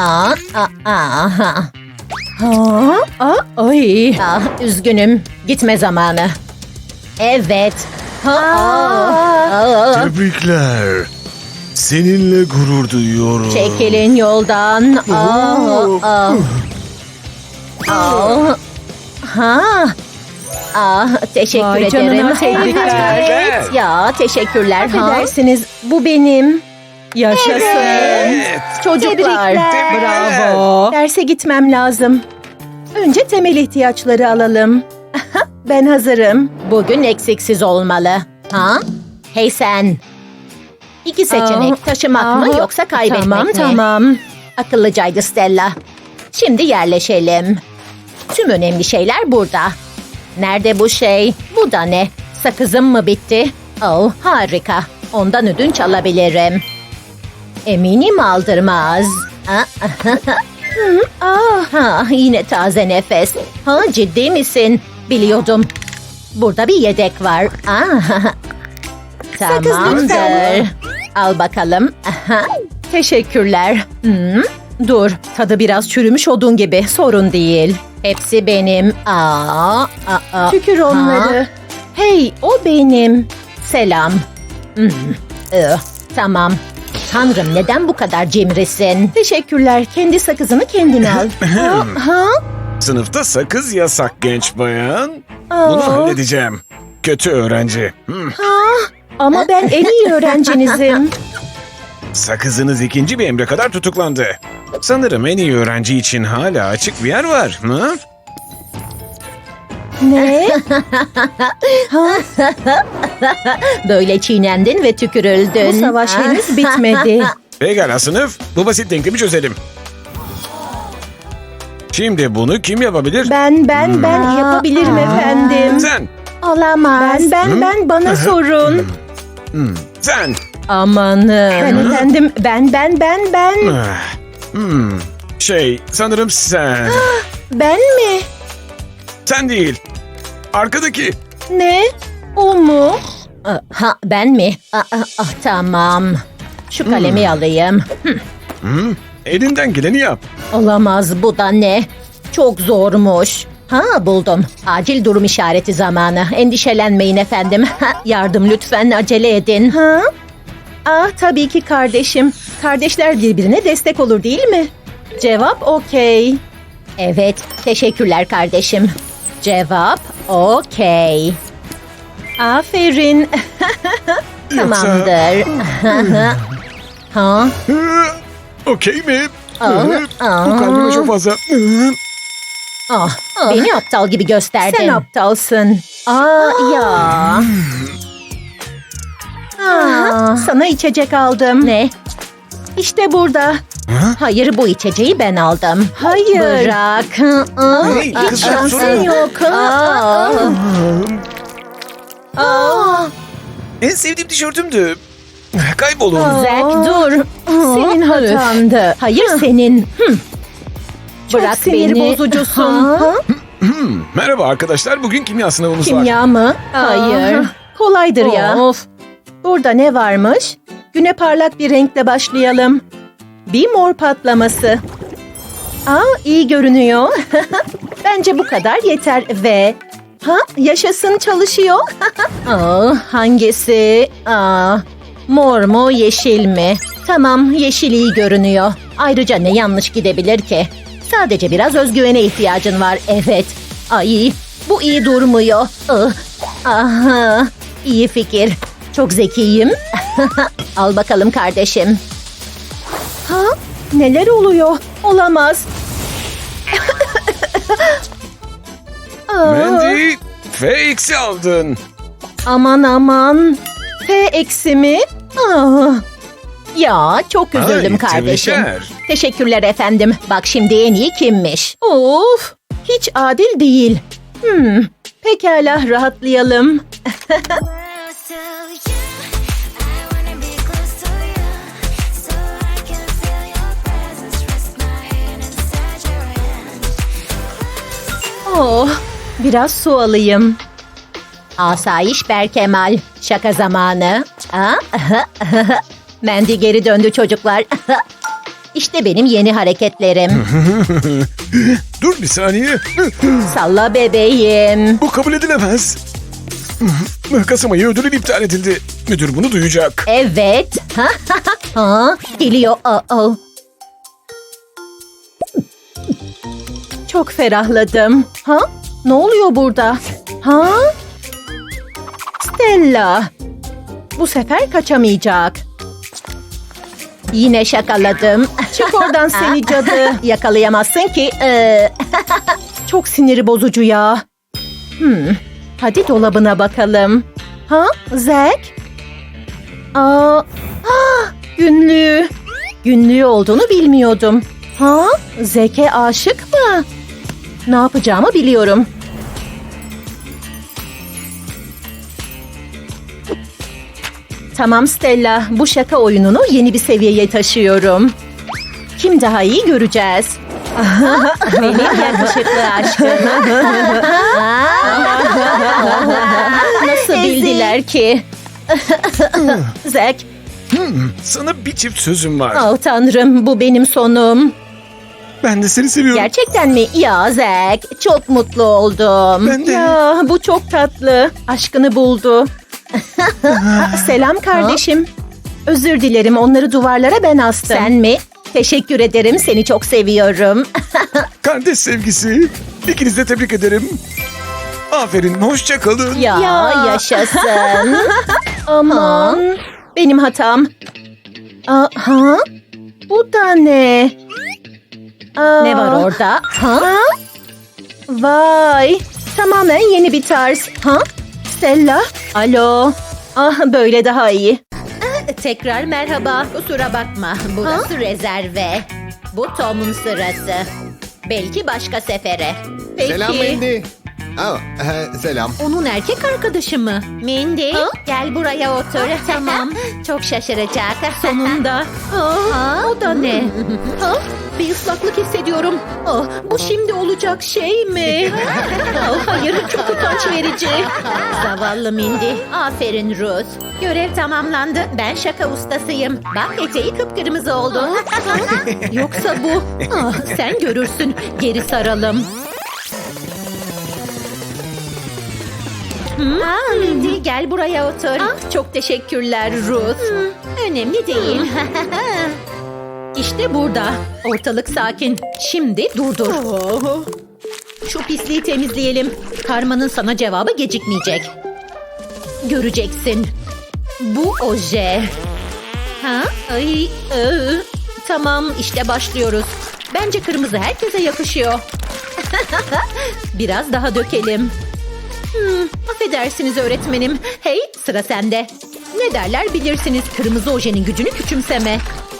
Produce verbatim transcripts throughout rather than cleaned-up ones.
Aa, aa, aa. Ha? Aa, ay. Ah, üzgünüm. Gitme zamanı. Evet. Ha, Aa. aa. Tebrikler. Seninle gurur duyuyorum. Çekilin yoldan. Aa, aa. Aa. Ha. Ah, teşekkür Vay ederim. canına, tebrikler. Evet. Ya, teşekkürler. Ha. Affedersiniz, bu benim. Yaşasın. Evet. Çocuklar. Bravo. Derse gitmem lazım. Önce temel ihtiyaçları alalım. Ben hazırım. Bugün eksiksiz olmalı. Ha? Hey sen. İki seçenek. Aa, Taşımak aa, mı yoksa kaybetmek tamam, mi? Tamam. Akıllıcaydı Stella. Şimdi yerleşelim. Tüm önemli şeyler burada. Nerede bu şey? Bu da ne? Sakızım mı bitti? Oh, harika. Ondan ödünç alabilirim. Eminim aldırmaz. Ah, Hı, ah, ha, yine taze nefes. Ha, ciddi misin? Biliyordum. Burada bir yedek var. Ah, tamamdır. lütfen. Al bakalım. Aha. Teşekkürler. Hmm, Dur, tadı biraz çürümüş odun gibi. Sorun değil. hepsi benim. Aa, aa, aa. Tükür onları. Ha. Hey, o benim. Selam. Hmm, ıh, tamam. Tanrım, neden bu kadar cimrisin? Teşekkürler. Kendi sakızını kendin al. ha? ha? Sınıfta sakız yasak genç bayan. Aa. Bunu halledeceğim. Kötü öğrenci. Hmm. Ama ben en iyi öğrencinizim. Sakızınız ikinci bir emre kadar tutuklandı. Sanırım en iyi öğrenci için hala açık bir yer var. Hı? Ne? Böyle çiğnendin ve tükürüldün. Bu savaş henüz bitmedi. Pekala sınıf. Bu basit denklemi çözelim. Şimdi bunu kim yapabilir? Ben, ben, ben Aa, yapabilirim aa. efendim. Sen. Olamaz. Ben, ben, ben, bana sorun. Hmm. Sen. Amanım. Ben efendim, ben, ben, ben, ben. Ah. Hmm. Şey, sanırım sen. Ben mi? Sen değil. Arkadaki. Ne? O mu? Aa, Ha, ben mi? Aa, aa, ah, tamam. Şu kalemi alayım. Hmm. Elinden geleni yap. Olamaz, bu da ne? Çok zormuş. Ha, buldum. Acil durum işareti zamanı. Endişelenmeyin efendim. Yardım lütfen, acele edin. Ha? Ah, tabii ki kardeşim. Kardeşler birbirine destek olur değil mi? Cevap okey. Evet, teşekkürler kardeşim. Cevap okey. Aferin. Tamamdır. Ha? Hı, Okey mi? Aa, Hı, aa. Bu kalbime çok fazla. Hı. Ah, beni aptal gibi gösterdin. Sen aptalsın. Aa, ya. Aa, sana içecek aldım. Ne? İşte burada. Hayır, bu içeceği ben aldım. Hayır. Bırak. Aa, Hey, aa, kız, Hiç şansın sorun. yok. aa. Aa, En sevdiğim tişörtümdü. Kaybolun. Zack, dur. senin hatandı. Hayır, senin. Hı. Çok Bırak sinir beni. bozucusun. Ha? Ha? Hmm, Merhaba arkadaşlar. Bugün kimya sınavımız var. Kimya mı? Hayır. Aa, kolaydır ya. Of. Burada ne varmış? Güne parlak bir renkle başlayalım. Bir mor patlaması. Aa, iyi görünüyor. Bence bu kadar yeter ve... Ha, yaşasın, çalışıyor. Aa, hangisi? Aa, mor mu, yeşil mi? Tamam, yeşil iyi görünüyor. Ayrıca ne yanlış gidebilir ki? Sadece biraz özgüvene ihtiyacın var, evet. Ay, bu iyi durmuyor. Ah, aha, iyi fikir. Çok zekiyim. Al bakalım kardeşim. Ha? Neler oluyor? Olamaz. Aa, Mandy, F eksi aldın. aman aman. F eksi mi? Aa, Ya, çok üzüldüm Ay, kardeşim. tebrikler. Teşekkürler efendim. Bak şimdi en iyi kimmiş? of, hiç adil değil. Hmm, pekala, rahatlayalım. Close to you, I wanna be close to you, so I can feel your presence. Rest my hand inside your hand. Oh, biraz su alayım. Asayiş Berkemal. Şaka zamanı. Aa, Mandy geri döndü çocuklar. İşte benim yeni hareketlerim. Dur bir saniye. Salla bebeğim. Bu kabul edilemez. Kasım ayı ödülün iptal edildi. Müdür bunu duyacak. Evet. ha, geliyor. Aa. Çok ferahladım. Ha? Ne oluyor burada? Ha? Stella. Bu sefer kaçamayacak. Yine şakaladım. Çık oradan seni cadı. Yakalayamazsın ki. Ee, Çok siniri bozucu ya. Hmm. Hadi dolabına bakalım. Ha? Zack? Aa, ah, günlüğü. Günlüğü olduğunu bilmiyordum. Ha? Zack'e aşık mı? Ne yapacağımı biliyorum. Tamam Stella, bu şaka oyununu yeni bir seviyeye taşıyorum. Kim daha iyi göreceğiz. benim yakışıklı aşkım. Nasıl bildiler ki? Zack, Sana bir çift sözüm var. Oh tanrım, bu benim sonum. Ben de seni seviyorum. Gerçekten mi? Ya Zack, çok mutlu oldum. Ben de. ya bu çok tatlı. Aşkını buldu. Selam kardeşim. Özür dilerim, onları duvarlara ben astım. Sen mi? Teşekkür ederim, seni çok seviyorum. Kardeş sevgisi. İkinizi de tebrik ederim. Aferin, hoşça kalın. ya, Ya. yaşasın. Aman. Benim hatam. Aa, ha? Bu da ne? Aa, Ne var orada? Ha? Ha? Vay. Tamamen yeni bir tarz. Ha? Stella? Alo. Ah, böyle daha iyi. Tekrar merhaba. Kusura bakma. Burası rezerve. Bu Tom'un sırası. Belki başka sefere. Peki. Selam Mindy. Aa, e, selam. Onun erkek arkadaşı mı? Mindy, gel buraya otur. Tamam. Çok şaşıracak. Sonunda. Aa, o da ne? Ha? Bir ıslaklık hissediyorum. Oh, bu şimdi olacak şey mi? Oh, hayır, çok utanç verici. Zavallı Mindy. Aferin Ruth. Görev tamamlandı. Ben şaka ustasıyım. Bak eteği kıpkırmızı oldu. Yoksa bu. Ah, sen görürsün. Geri saralım. Aa, Mindy gel buraya otur. Çok teşekkürler Ruth. Önemli değil. İşte burada. Ortalık sakin. Şimdi durdur. Şu pisliği temizleyelim. Karmanın sana cevabı gecikmeyecek. Göreceksin. Bu oje. Ha? Ay, ıı. Tamam işte başlıyoruz. Bence kırmızı herkese yakışıyor. Biraz daha dökelim. Hmm, affedersiniz öğretmenim. Hey, sıra sende. Ne derler bilirsiniz, kırmızı ojenin gücünü küçümseme.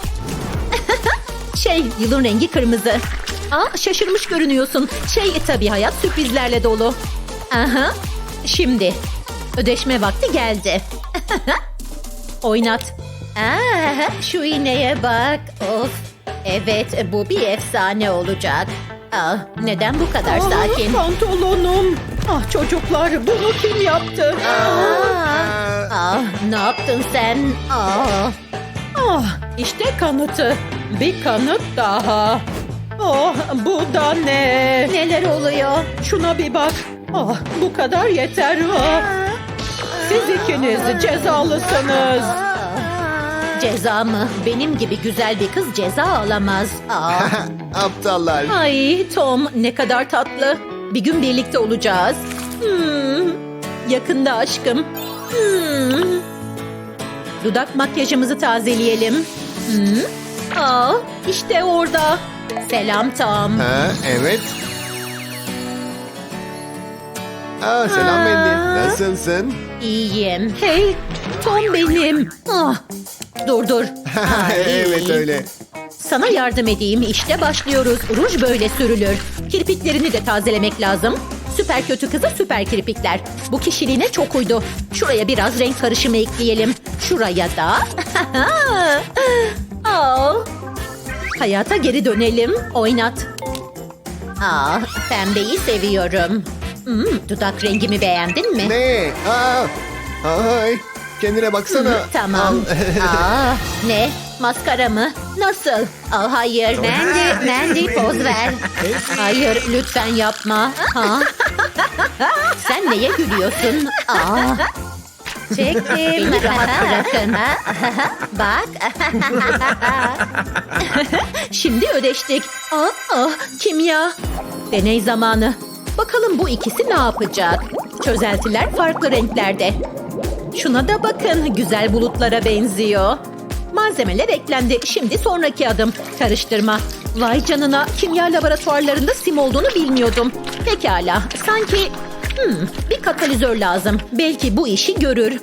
şey, yılın rengi kırmızı. Aa, şaşırmış görünüyorsun. Şey, tabii hayat sürprizlerle dolu. Aha, şimdi. Ödeşme vakti geldi. Oynat. Aa, şu iğneye bak. Of. Evet, bu bir efsane olacak. Aa, neden bu kadar sakin? Pantolonum. Ah çocuklar, bunu kim yaptı? Aa, ah, ne yaptın sen? Aa. Ah, işte kanıtı. Bir kanıt daha. Ah, bu da ne? Neler oluyor? Şuna bir bak. Ah, bu kadar yeter. Ah. Siz ikiniz cezalısınız. Ceza mı? Benim gibi güzel bir kız ceza alamaz. Aa. Aptallar. Ay Tom ne kadar tatlı. Bir gün birlikte olacağız. Hmm. Yakında aşkım. Hmm. Dudak makyajımızı tazeleyelim. Hmm. Aa, işte orada. Selam Tom. Ha, evet. Aa, selam Mindy. Nasılsın? İyiyim. Hey, Tom benim. Ah, dur dur. Ay. evet öyle. Sana yardım edeyim. İşte başlıyoruz. Ruj böyle sürülür. Kirpiklerini de tazelemek lazım. Süper kötü kıza süper kirpikler. Bu kişiliğine çok uydu. Şuraya biraz renk karışımı ekleyelim. Şuraya da. Aa. Hayata geri dönelim. Oynat. Aa, pembeyi seviyorum. Hmm, dudak rengimi beğendin mi? Ne? Aa, ay, kendine baksana. Tamam. Al. Aa, ne? maskara mı? Nasıl? Aa, hayır. Mandy, Mandy poz ver. Hayır, lütfen yapma. Ha? Sen neye gülüyorsun? Aa. Çektim. Beni rahat bırakın. Bak. Şimdi ödeştik. Aa, aa, kimya. Deney zamanı. Bakalım bu ikisi ne yapacak? Çözeltiler farklı renklerde. Şuna da bakın. Güzel bulutlara benziyor. Malzemeler eklendi. Şimdi sonraki adım. Karıştırma. Vay canına. Kimya laboratuvarlarında sim olduğunu bilmiyordum. Pekala. Sanki hmm, bir katalizör lazım. Belki bu işi görür.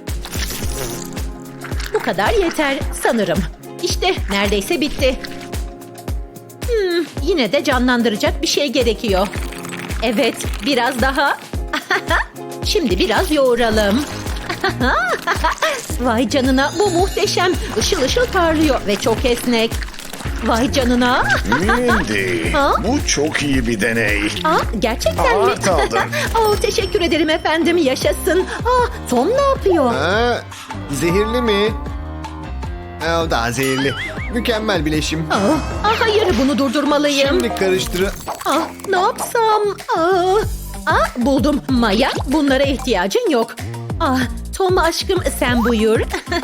Bu kadar yeter sanırım. İşte neredeyse bitti. Hmm, yine de canlandıracak bir şey gerekiyor. Evet, biraz daha. Şimdi biraz yoğuralım. Vay canına, bu muhteşem. Işıl ışıl parlıyor ve çok esnek. Vay canına. Mindy, Ha? bu çok iyi bir deney. Aa, gerçekten mi? Art aldım. Aa, teşekkür ederim efendim, yaşasın. Aa, Tom ne yapıyor? Ha, zehirli mi? Ha, o daha zehirli. Mükemmel bileşim. Aa, aa, hayır, bunu durdurmalıyım. Şimdi karıştır. Ah, ne yapsam? Aa, aa, buldum. Maya, bunlara ihtiyacın yok. Ah, Tom aşkım sen buyur.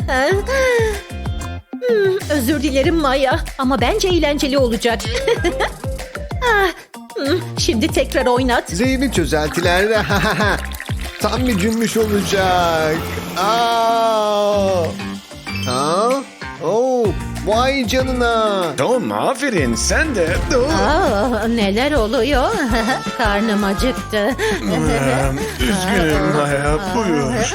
hmm, özür dilerim Maya ama bence eğlenceli olacak. ah, hmm, şimdi tekrar oynat. Zehirli çözeltiler. Tam bir cümbüş olacak. Aa! Ha? Oo, vay canına. Tom aferin sen de. Aa, neler oluyor? Karnım acıktı. Üzgünüm Maya, buyur.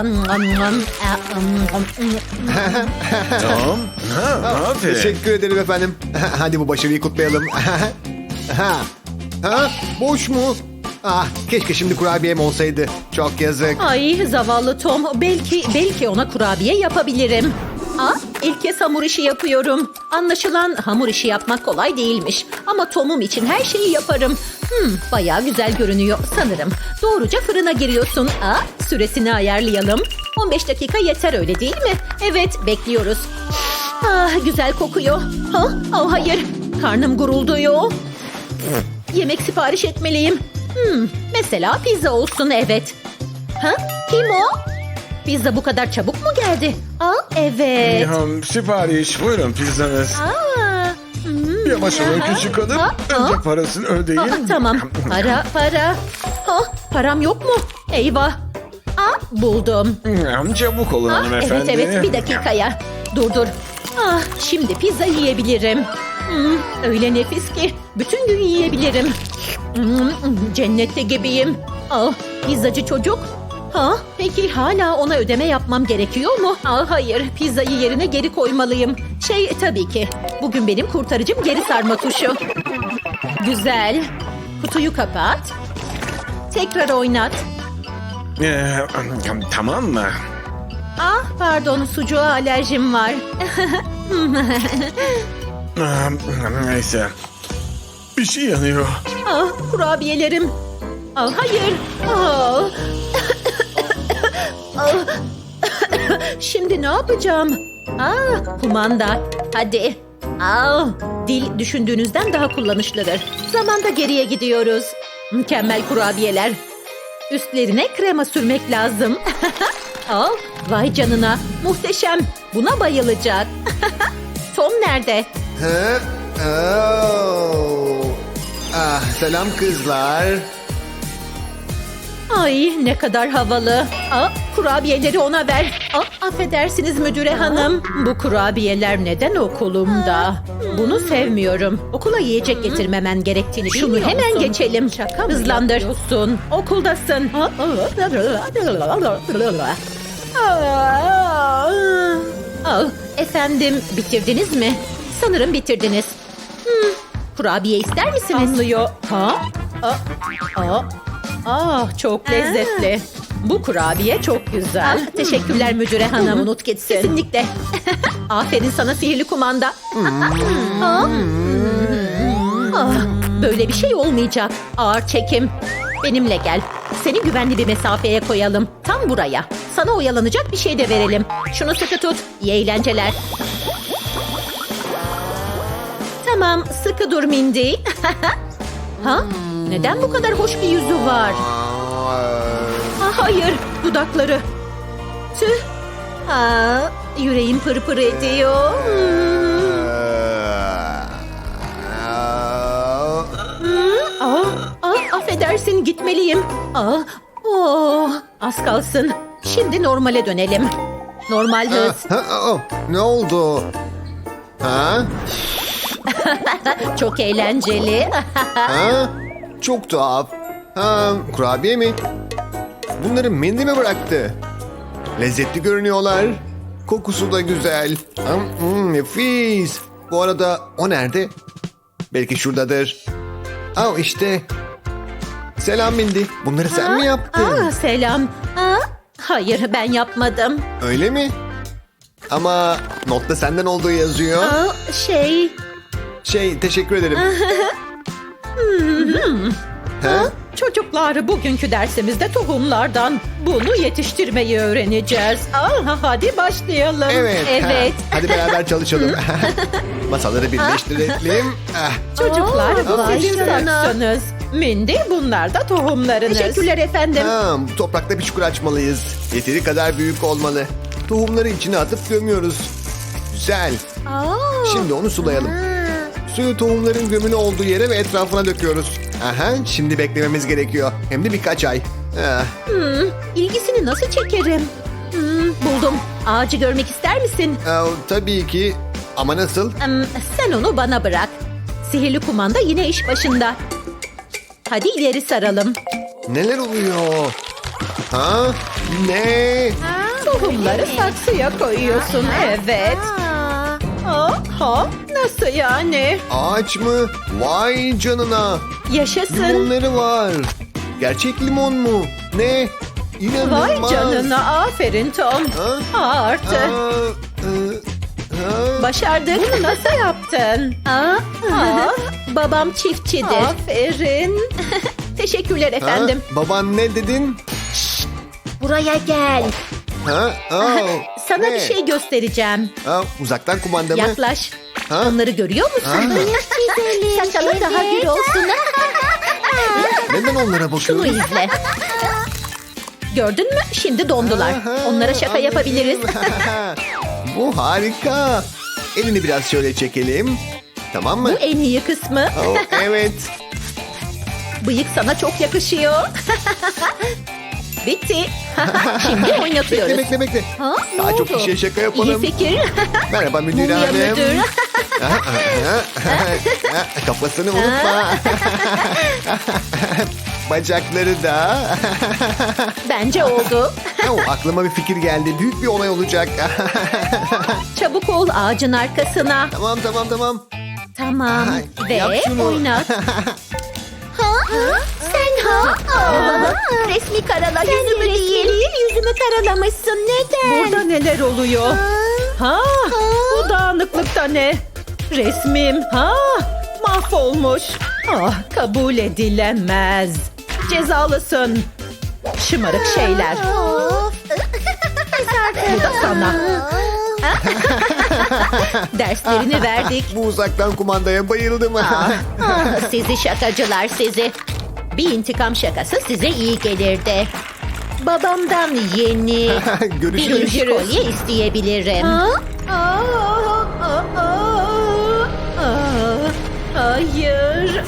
Tom. Ha, aferin. Teşekkür ederim efendim. Hadi bu başarıyı kutlayalım. ha. Ha? Boş mu? Ah, keşke şimdi kurabiyem olsaydı. Çok yazık. Ay zavallı Tom. Belki belki ona kurabiye yapabilirim. Aa, ilk kez hamur işi yapıyorum. Anlaşılan hamur işi yapmak kolay değilmiş. Ama Tom'um için her şeyi yaparım. Hmm, bayağı güzel görünüyor sanırım. Doğruca fırına giriyorsun. Aa, süresini ayarlayalım. on beş dakika yeter öyle değil mi? Evet, bekliyoruz. Ah, güzel kokuyor. Ha? Oh, hayır. Karnım gurulduyor. Yemek sipariş etmeliyim. Hmm, mesela pizza olsun, evet. Ha? Kim o? Pizza bu kadar çabuk mu geldi? Aa, evet. Ya, sipariş buyurun pizzanız. Aa, hmm. Yavaş olun küçük hanım. Ha, ha. Önce parasını ödeyin. Aa, tamam. Para, para. Ha, param yok mu? Eyvah. Aa, buldum. Hmm, Çabuk olun Ah, hanımefendi. evet evet bir dakikaya. Dur dur. Ah, şimdi pizza yiyebilirim. Hmm, öyle nefis ki bütün gün yiyebilirim. Hmm, cennette gibiyim. Ah, pizzacı çocuk. Ha, peki hala ona ödeme yapmam gerekiyor mu? Ah, hayır, pizzayı yerine geri koymalıyım. Şey tabii ki. Bugün benim kurtarıcım geri sarma tuşu. Güzel. Kutuyu kapat. Tekrar oynat. Ee, tamam mı? Ah pardon, sucuğa alerjim var. Ah, Neyse. Bir şey yanıyor. Ah, kurabiyelerim. Ah, hayır. Ah. Ah. Şimdi ne yapacağım? Ah, kumanda. Hadi. Ah, dil düşündüğünüzden daha kullanışlıdır. Zamanda geriye gidiyoruz. Mükemmel kurabiyeler. Üstlerine krema sürmek lazım. Ah, vay canına. Muhteşem. Buna bayılacak. Tom nerede? Ha? Oo. Ah, selam kızlar. Ay ne kadar havalı. Aa, kurabiyeleri ona ver. Aa, affedersiniz müdüre hanım. Bu kurabiyeler neden okulumda? Bunu sevmiyorum. Okula yiyecek getirmemen gerektiğini Şunu bilmiyor hemen musun? geçelim. Şaka mı Hızlandır. Okuldasın. Aa, efendim bitirdiniz mi? Sanırım bitirdiniz. Hmm, kurabiye ister misiniz? Anlıyor. Ha? Aa, aa. Ah, çok lezzetli. Bu kurabiye çok güzel. Ah, teşekkürler müdüre hanım. Unut gitsin. Kesinlikle. Aferin sana sihirli kumanda. Ah. Ah, böyle bir şey olmayacak. Ağır çekim. Benimle gel. Seni güvenli bir mesafeye koyalım. Tam buraya. Sana oyalanacak bir şey de verelim. Şunu sıkı tut. İyi eğlenceler. Tamam, sıkı dur Mindy. Ha? Neden bu kadar hoş bir yüzü var? Ah, hayır, dudakları. Tüh. Aa, yüreğim pırpır ediyor. Hmm. Aa, aa, affedersin, gitmeliyim. Aa, oh, az kalsın. Şimdi normale dönelim. Normal hız. Ha, oh, ne oldu? Ha? Çok eğlenceli. Ha? Çok tuhaf. Ha, kurabiye mi? Bunları Mindy mi bıraktı? Lezzetli görünüyorlar. Kokusu da güzel. Hmm, hmm, nefis. Bu arada o nerede? Belki şuradadır. Aa, işte. Selam Mindy. Bunları sen mi yaptın? Aa, selam. Aa, hayır, ben yapmadım. Öyle mi? Ama notta senden olduğu yazıyor. Aa, şey... Şey, teşekkür ederim. ha? Çocuklar, bugünkü dersimizde tohumlardan bunu yetiştirmeyi öğreneceğiz. Aa, hadi başlayalım. Evet. Evet. ha. Hadi beraber çalışalım. Masaları birleştirelim. Ah. Çocuklar, Aa, bu sizin başlayalım. saksınız. Mindy, bunlar da tohumlarınız. Teşekkürler efendim. Ha, bu toprakta bir çukur açmalıyız. Yeteri kadar büyük olmalı. Tohumları içine atıp gömüyoruz. Güzel. Şimdi onu sulayalım. Suyu tohumların gömülü olduğu yere ve etrafına döküyoruz. Aha, şimdi beklememiz gerekiyor. Hem de birkaç ay. Ah, İlgisini nasıl çekerim? Hmm, buldum. Ağacı görmek ister misin? ah, tabii ki. Ama nasıl? Hmm, sen onu bana bırak. Sihirli kumanda yine iş başında. Hadi ileri saralım. Neler oluyor? Ha? Ne? Tohumları saksıya koyuyorsun. Evet. Aha, nasıl yani? Ağaç mı? Vay canına. Yaşasın. Limonları var. Gerçek limon mu? Ne? İnanılmaz. Vay canına, aferin Tom. Ha? Artı. Aa, e, ha? Başardık. Bunu nasıl yaptın? Aa, aa, babam çiftçidir. Aferin. Teşekkürler Ha? efendim. Baban ne dedin? Buraya gel. Ha? Aa, Sana ne? bir şey göstereceğim. Ha, uzaktan kumanda mı? Yaklaş. Ha? Onları görüyor musun? Ha? Saçalı daha gür olsun. Neden onlara Şunu bakıyorsun? izle. Gördün mü? Şimdi dondular. Aha, Onlara şaka anladım. yapabiliriz. Bu harika. Elini biraz şöyle çekelim. Tamam mı? Bu en iyi kısmı. Oh, evet. Bıyık sana çok yakışıyor. Bitti. Şimdi oynatıyoruz. Bekle bekle bekle. Ha, ne Daha çok oldu? kişiye şaka yapalım. İyi fikir. Merhaba müdür Mumya hanım. müdür. Kafasını unutma. Bacakları da. Bence oldu. Oh, aklıma bir fikir geldi. Büyük bir olay olacak. Çabuk ol ağacın arkasına. Tamam tamam tamam. Tamam. Ay, Ve yap şunu. oynat. Sen ha? Aa, resmi karala yüzümü değil. Yüzümü karalamışsın. Neden? Burada neler oluyor? Ha? Bu dağınıklıkta ne? Resmim. Ha? Mahvolmuş. Ah, kabul edilemez. Cezalısın. Şımarık şeyler. Bu da sana. Derslerini verdik. Bu uzaktan kumandaya bayıldım. Ah, sizi şakacılar sizi. Bir intikam şakası size iyi gelirdi. Babamdan yeni bir Görüşürüz. incir kolye isteyebilirim. Hayır.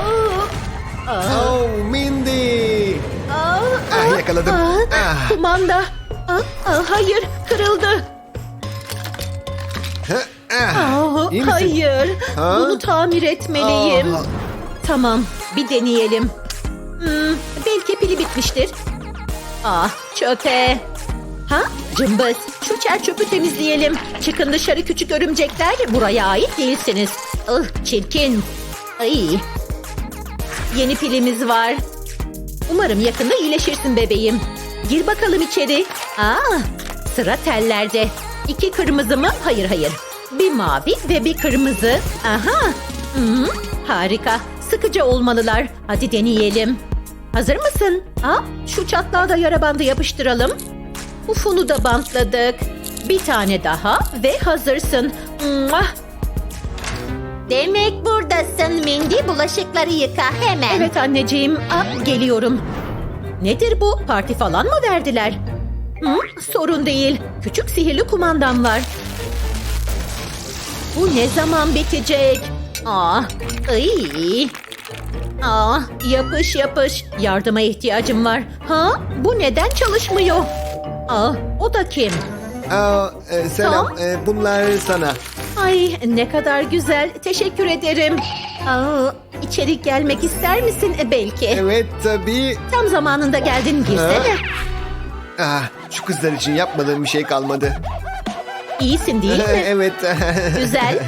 Oh Mindy. Ah, yakaladım. Ah. Kumanda. Ah, ah, hayır, kırıldı. Ah, Ah, iyi misin? hayır. Ha? Bunu tamir etmeliyim. Ah. Tamam, bir deneyelim. Hmm, belki pili bitmiştir. Ah, çöpe. Ha, cımbız. Şu çer çöpü temizleyelim. Çıkın dışarı küçük örümcekler. Buraya ait değilsiniz. Ih, çirkin. Ay. Yeni pilimiz var. Umarım yakında iyileşirsin bebeğim. Gir bakalım içeri. Aa, sıra tellerde. İki kırmızı mı? Hayır hayır. Bir mavi ve bir kırmızı. Aha. Hı, harika. Sıkıcı olmalılar. Hadi deneyelim. Hazır mısın? Aa, şu çatlağa da yara bandı yapıştıralım. Ufunu da bantladık. Bir tane daha ve hazırsın. Mua. Demek buradasın Mindy. Bulaşıkları yıka hemen. Evet anneciğim. Aa, geliyorum. Nedir bu? Parti falan mı verdiler? Hı, sorun değil. Küçük sihirli kumandam var. Bu ne zaman bitecek? Aa, ıy. Aa, yapış yapış. Yardıma ihtiyacım var. Ha? Bu neden çalışmıyor? Aa, o da kim? Aa, e, selam. Tom? E, bunlar sana. Ay ne kadar güzel. Teşekkür ederim. Aa, içeri gelmek ister misin? E, belki. Evet tabii. Tam zamanında geldin, girsene. Ah, şu kızlar için yapmadığım bir şey kalmadı. İyisin değil mi? Evet. Güzel.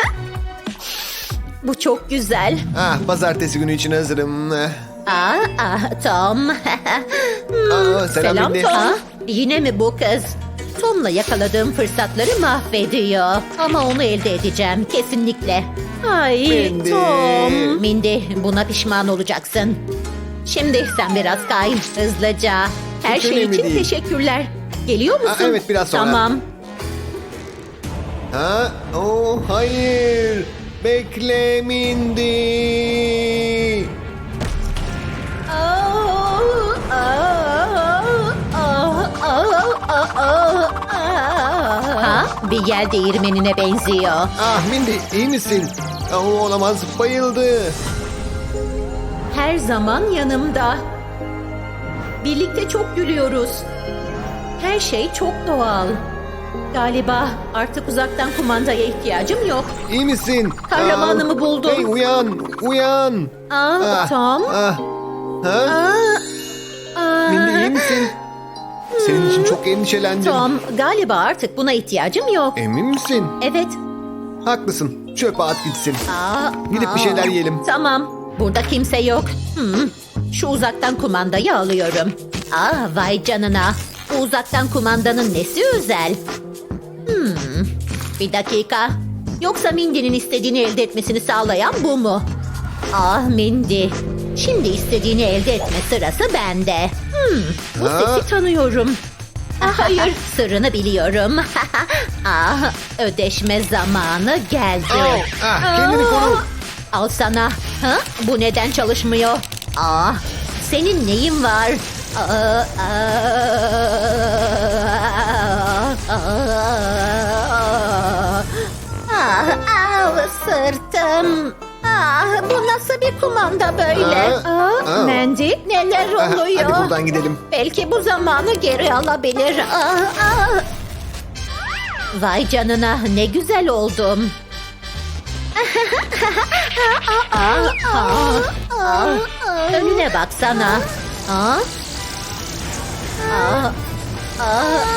Bu çok güzel. Ah, pazartesi günü için hazırım. Aa, ah, Tom. Aa, selam, Selam Mindy. Tom. Ha? Yine mi bu kız? Tom'la yakaladığım fırsatları mahvediyor. Ama onu elde edeceğim kesinlikle. Ay Mindy. Tom. Mindy, buna pişman olacaksın. Şimdi sen biraz kay hızlıca. Her Hiç şey önemli için değil. teşekkürler. Geliyor musun? Aa, evet, biraz sonra. Tamam. Ha? Oh, hayır. Bekle Mindy. Ha? Bir yel değirmenine benziyor. Ah Mindy, iyi misin? Oh, olamaz, bayıldı. Her zaman yanımda. Birlikte çok gülüyoruz. Her şey çok doğal. Galiba artık uzaktan kumandaya ihtiyacım yok. İyi misin? Kahramanımı Ah, buldum. Hey, uyan, uyan. Aa, Ah, Tom. Ah. Ha? Aa, aa. Mindy, iyi misin? Senin için çok endişelendim. Tom, galiba artık buna ihtiyacım yok. Emin misin? Evet. Haklısın. Çöpe at gitsin. Aa, Gidip bir şeyler yiyelim. Tamam. burada kimse yok. Hmm, şu uzaktan kumandayı alıyorum. Aa, vay canına. Bu uzaktan kumandanın nesi özel? Hmm, bir dakika. Yoksa Mindy'nin istediğini elde etmesini sağlayan bu mu? Ah Mindy. Şimdi istediğini elde etme sırası bende. Hmm, Bu Ha? sesi tanıyorum. ah, hayır, sırrını biliyorum. ah, ödeşme zamanı geldi. Oh, ah, kendini koru. Al sana. Ha? Bu neden çalışmıyor? Aa, senin neyin var? Aa, aa, aa, ah, ah, sırtım. Ah, bu nasıl bir kumanda böyle? Aa, Aa, aa. Mandy. Neler Ah, oluyor? hadi buradan gidelim. Belki bu zamanı geri alabilir. Ah, ah. Vay canına, ne güzel oldum. Ah, ah, ah. Önüne baksana. Ah. Ah. Ah.